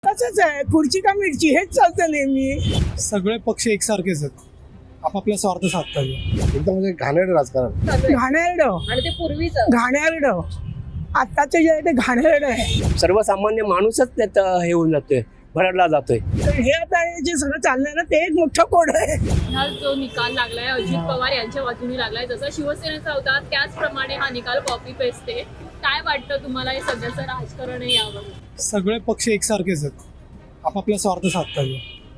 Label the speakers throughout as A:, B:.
A: तसंच आहे, खुर्ची का मिरची हेच चालतं नेहमी.
B: सगळे पक्ष एकसारखेच आहेत, आपापल्या स्वार्थ साधतात.
C: एकदम म्हणजे घाणेरडं राजकारण.
A: घाणेरडं
D: आणि ते पूर्वीचं
A: घाणेरडं आत्ताचं जे आहे ते घाणेरडं आहे.
E: सर्वसामान्य माणूसच त्यात हे होऊन जातोय, भरडला जातोय.
A: तर हे आता हे जे सगळं चाललंय ना ते एक मोठं कोड आहे.
D: हा जो निकाल लागलाय अजित पवार यांच्या बाजूने लागलाय, जसा शिवसेनेचा होता त्याचप्रमाणे हा निकाल कॉपी पेस्ट आहे. काय वाटतं तुम्हाला हे सध्याचं राजकारण आहे यावर?
B: सगळे पक्ष एकसारखेच आहेत, आपापल्या स्वार्थ साधतात.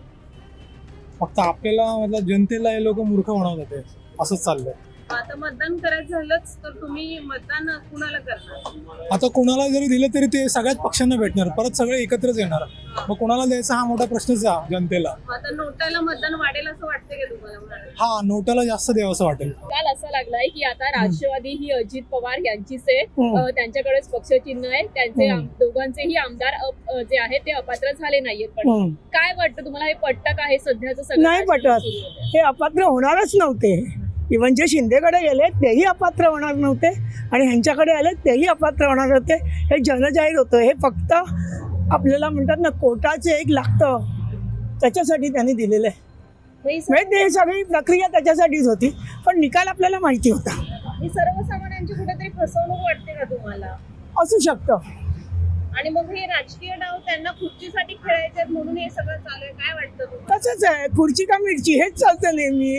B: फक्त आपल्याला मतलब जनतेला हे लोक मूर्ख बनवतात, असंच चाललंय.
D: आता मतदान करायचं झालंच तर तुम्ही मतदान कुणाला करणार?
B: आता कोणाला जरी दिलं तरी ते सगळ्याच पक्षांना भेटणार, परत सगळे एकत्रच येणार. मग कोणाला द्यायचा हा मोठा प्रश्नच आहे जनतेला.
D: आता नोटाला मतदान वाढेल असं वाटतं का तुम्हाला?
B: हा, नोटाला जास्त द्यावं असं वाटेल.
D: काल असं लागलाय की आता राष्ट्रवादी ही अजित पवार यांचीच आहे, त्यांच्याकडेच पक्षचिन्ह आहे, त्यांचे दोघांचेही आमदार जे आहेत ते अपात्र झाले नाहीयेत. पण काय वाटतं तुम्हाला, हे पटतं का हे सध्याचं सगळं
A: नाही पटत. हे अपात्र होणारच नव्हते. इव्हन जे शिंदेकडे गेले तेही अपात्र होणार नव्हते आणि ह्यांच्याकडे आले तेही अपात्र होणार होते. हे जनजाहीर होतं. हे फक्त आपल्याला म्हणतात ना कोर्टाचे एक लागतं त्याच्यासाठी त्यांनी दिलेलं आहे. म्हणजे ते सगळी प्रक्रिया त्याच्यासाठीच होती, पण निकाल आपल्याला माहिती होता.
D: ही सर्वसामान्यांची कुठेतरी फसवणूक वाटते का तुम्हाला?
A: असू शकतं.
D: आणि मग हे राजकीय डाव त्यांना खुर्चीसाठी खेळायचे आहेत म्हणून हे सगळं चालू आहे. काय वाटतं तुम्हाला?
A: तसंच आहे, खुर्ची का मिरची हेच चालतं नेहमी,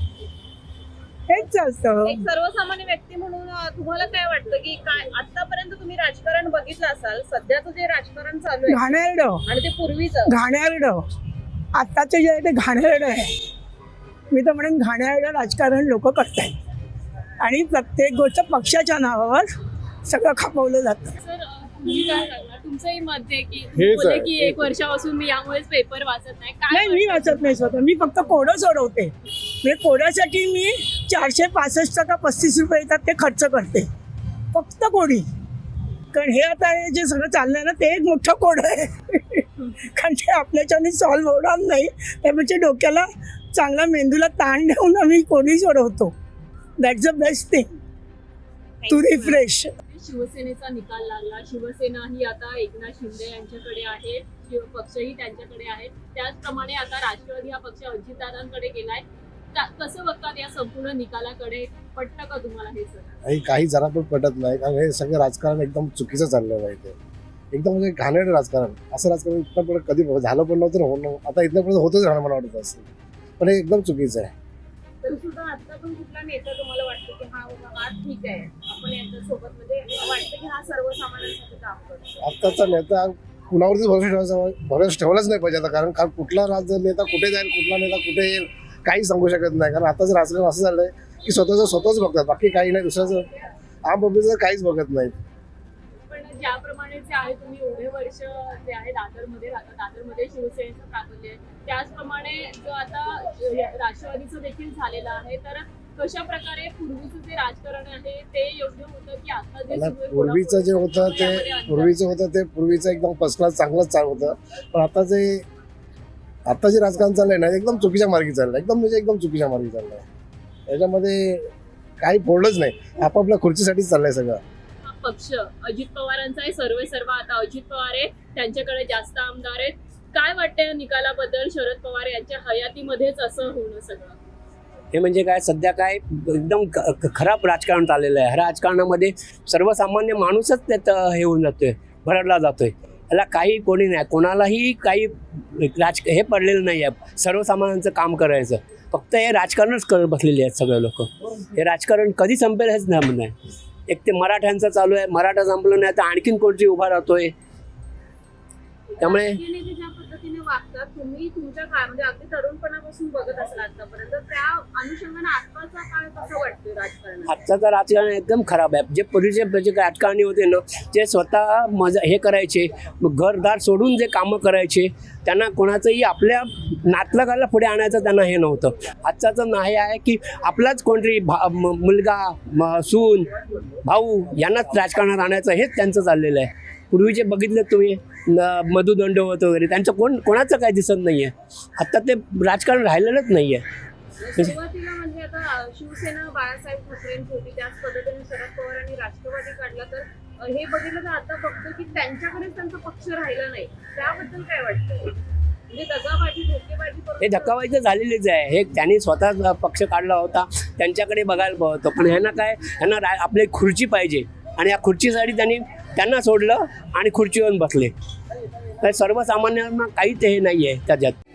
A: हेच चालतं.
D: एक सर्वसामान्य व्यक्ती म्हणून तुम्हाला काय वाटतं की काय आतापर्यंत तुम्ही राजकारण बघितलं असाल, सध्याचं जे राजकारण चालू आहे
A: घाणेरडं
D: आणि ते पूर्वीचं
A: घाणेरडं आत्ताचं जे आहे ते घाणेरडं आहे. मी तर म्हणेन घाणेरडं राजकारण लोक करतायत आणि प्रत्येक गोष्ट पक्षाच्या नावावर सगळं खपवलं जातं.
D: सर तुम्ही काय सांगणार? तुमचंही मत आहे की
C: हेच
D: बोलले
C: आहे.
D: की 1 वर्षापासून मी यामुळेच पेपर वाचत नाही. काय
A: नाही, मी वाचत नाही स्वतः. मी फक्त कोडं सोडवते. म्हणजे कोड्यासाठी मी 465 का 35 रुपये येतात ते खर्च करते, फक्त कोडी. कारण हे आता हे जे सगळं चाललंय ना ते एक मोठं कोड आहे. कारण ते आपल्याच्याने सॉल्व्ह होणार नाही. त्यापेक्षा डोक्याला चांगला मेंदूला ताण देऊन आम्ही कोडी सोडवतो. That's the best thing to refresh.
D: शिवसेनेचा निकाल लागला. शिवसेना ही आता एकनाथ शिंदे यांच्याकडे आहे, पक्षही त्यांच्याकडे आहेत. त्याचप्रमाणे आता राष्ट्रवादी हा पक्ष अजितदादांकडे गेलाय. कसं बघतात या संपूर्ण निकालाकडे? पटतं का तुम्हाला हे सगळं?
C: काही जरा पण पटत नाही, कारण हे सगळं राजकारण एकदम चुकीचं चाललेलं आहे. ते एकदम म्हणजे घाणेरडं राजकारण. असं राजकारण इथपर्यंत कधी झालं पण नव्हतं, होणं आता इथपर्यंत होतच राहणं मला वाटतं असं. पण हे एकदम चुकीचं आहे.
D: तर सुद्धा आता पण कुठला नेता तुम्हाला वाटतं की हा ठीक आहे, आपण यांच्या सोबत म्हणजे वाटतं की हा सर्वसामान्यांसाठी काम करतो?
C: आत्ताचा नेता कुणावरतीच भरोसा ठेवलाच नाही पाहिजे आता. कारण कुठला नेता कुठे जाईल, कुठला नेता कुठे येईल काही सांगू शकत नाही. कारण आताच राजकारण असं झालंय की स्वतःच बघतात, बाकी काही नाही. दुसऱ्याचं आम पब्लिकचं काहीच बघत नाही.
D: पण ज्याप्रमाणे जे आहे, तुम्ही एवढे वर्ष जे आहे दादरमध्ये राहता, दादरमध्ये शिवसेनेचं प्राबल्य आहे, त्याचप्रमाणे जो आता राष्ट्रवादीचं देखील झालेलं आहे, तर कशा प्रकारे पूर्वीचं जे राजकारण आहे ते योग्य होतं की आता जे सुरू आहे?
C: पूर्वीचं जे होतं ते पूर्वीचं एकदम फर्स्ट क्लास चांगलंच चालू होतं. पण आता जे राजकारण चाललंय ना एकदम चुकीच्या मार्गी चाललंय. एकदम चुकीच्या मार्गी चाललंय. त्याच्यामध्ये काही फोडलंच नाही, आपापल्या खुर्चीसाठीच चाललंय सगळं.
D: हा पक्ष अजित पवारांचा आहे, सर्व आता अजित पवार आहे, त्यांच्याकडे जास्त आमदार आहेत. काय वाटतंय निकालाबद्दल? शरद पवार यांच्या हयातीमध्येच असं होणं सगळं
E: हे म्हणजे काय, सध्या काय एकदम खराब राजकारण चाललेलं आहे. ह्या राजकारणामध्ये सर्वसामान्य माणूसच त्यात हे होऊन जातोय, भरडला जातोय. याला काही कोणी नाही, कोणालाही काही हे पडलेलं नाही आहे सर्वसामान्यांचं काम करायचं. फक्त हे राजकारणच करत बसलेले आहेत सगळे लोक. हे राजकारण कधी संपेल हेच नाही. एक ते मराठ्यांचं चालू आहे, मराठा संपलं नाही तर आणखीन कोणती उभा राहतोय. त्यामुळे
D: ज्या पद्धतीने वागतात तुम्ही तुमच्या काळ म्हणजे अगदी तरुणपणापासून बघत असाल आतापर्यंत, त्या अनुषंगाने आत्ताचा काळ कसं वाटतोय राजकारण?
E: आत्ताचं राजकारण एकदम खराब आहे. जे पूर्वीचे जे राजकारणी होते ना, ते स्वतः हे करायचे, घरदार सोडून जे कामं करायचे, त्यांना कोणाचंही आपल्या नातलगाला पुढे आणायचं त्यांना हे नव्हतं. आजचाचं नाही आहे की आपलाच कोणतरी मुलगा, सून, भाऊ यांनाच राजकारणात आणायचं, हेच त्यांचं चाललेलं आहे. पूर्वीचे बघितले तुम्ही मधु दंडवत वगैरे, त्यांचं कोणाचं काही दिसत नाहीये. आता ते राजकारण राहिलेलंच नाहीये.
D: सुरुवातीला म्हणजे आता शिवसेना बाळासाहेब ठाकरेंची होती, त्याच पद्धतीने शरद पवारांनी राष्ट्रवादी काढला, तर हे बघितलं तर आता बघतो की त्यांच्याकडेच त्यांचा पक्ष राहिला नाही. त्याबद्दल काय वाटतं? म्हणजे दगाबाजी धोकेबाजी करून
E: हे धक्काबाजी झालेलीच आहे. हे त्यांनी स्वतः पक्ष काढला होता, त्यांच्याकडे बघायला होतं. पण ह्यांना काय, ह्यांना आपली खुर्ची पाहिजे आणि या खुर्चीसाठी त्यांना सोडलं आणि खुर्चीवर बसले. तर सर्वसामान्यांना काहीच हे नाही आहे त्याच्यात.